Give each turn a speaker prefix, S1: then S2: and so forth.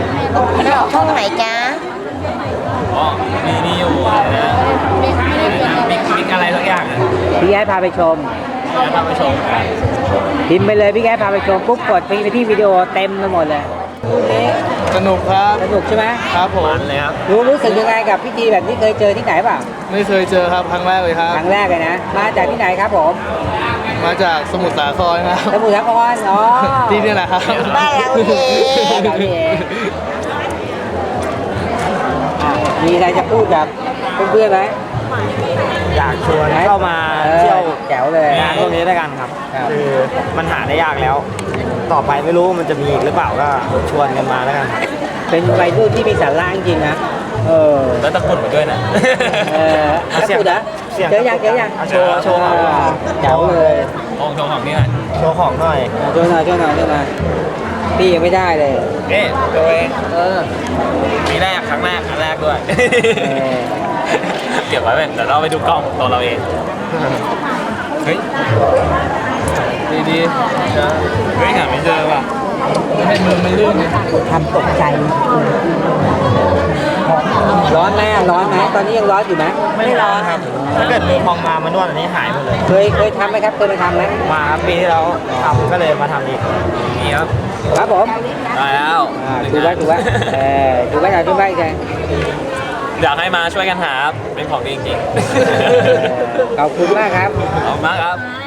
S1: ช่องไหนจ๊ะ
S2: อ๋อมีอยู่อะไรนะมิกอะไรสักอย่างอ่ะ
S3: พี่แอดพาไปชม
S2: พาไปชม
S3: พิมพ์ไปเลยพี่แอดพาไปชมปุ๊บกดไปที่วิดีโอเต็มไปหมดเลย
S4: สนุกครับ
S3: สนุกใช่ไหม
S4: ครับผม
S2: เลยครับ
S3: รู้สึกยังไงกับพิธีแบบนี้เคยเจอที่ไหนเปล่า
S4: ไม่เคยเจอครับครั้งแรกเลยครับ
S3: ครั้งแรกเลยนะมาจากที่ไหนครับผม
S4: มาจากสมุทรสาครครับ
S3: สมุทรสาครอ๋อ
S4: ที่นี่แหละครับ
S1: บ้านเราเอง
S3: มีอะไรจะพูดกับเพื่อนๆไหม
S5: อยากชวนเข้ามาเที่ยว
S3: แจ๋วเลย
S5: งานพวกนี้ด้วยกันครับคือมันหาได้ยากแล้ว ต่อไปไม่รู้มันจะมีอีกหรือเปล่าก็ชวนกันมาแล้วกันครับ
S3: เป็นวัยรุ่นที่มีสาระจริงๆนะ
S2: แล้วตะกุดมาด้วยนะ
S3: ตะกุดนะเจอยัง
S5: โชว์
S3: แจ๋วเลย
S2: โชว์ของนี่หน่อย
S5: โชว์ของหน่อย
S3: ช่วยหน่อยพี่ยังไม่ได้เลย
S2: ตัวเองมีแรกครั้งแรกด้วยเก็บไว้เป็นเดี๋ยวเราไปดูกล้องตัวเราเองเฮ้ย
S4: ดี
S2: เฮ้ยหาไม่เจอว่ะ
S4: ให้มือมันลื่น
S3: ทำตกใจร้อนไหมตอนนี้ยังร้อนอยู่ไหม
S5: ไม่ร้อนครับถ้าเกิดมือพองมานวดอันนี้หายหมดเลย
S3: เคยทำไหมครับเคยไปทำไหม
S5: มาครับปีที่แล้วทำก็เลยมาทำอีก
S2: นี่
S3: ครับผม
S2: ได้แล้ว
S3: ดูไว้ดูไว้ใช่
S2: อยากให้มาช่วยกันหาเป็นของดีจริง
S3: ขอบคุณมากครับ
S2: ขอบคุณมากครับ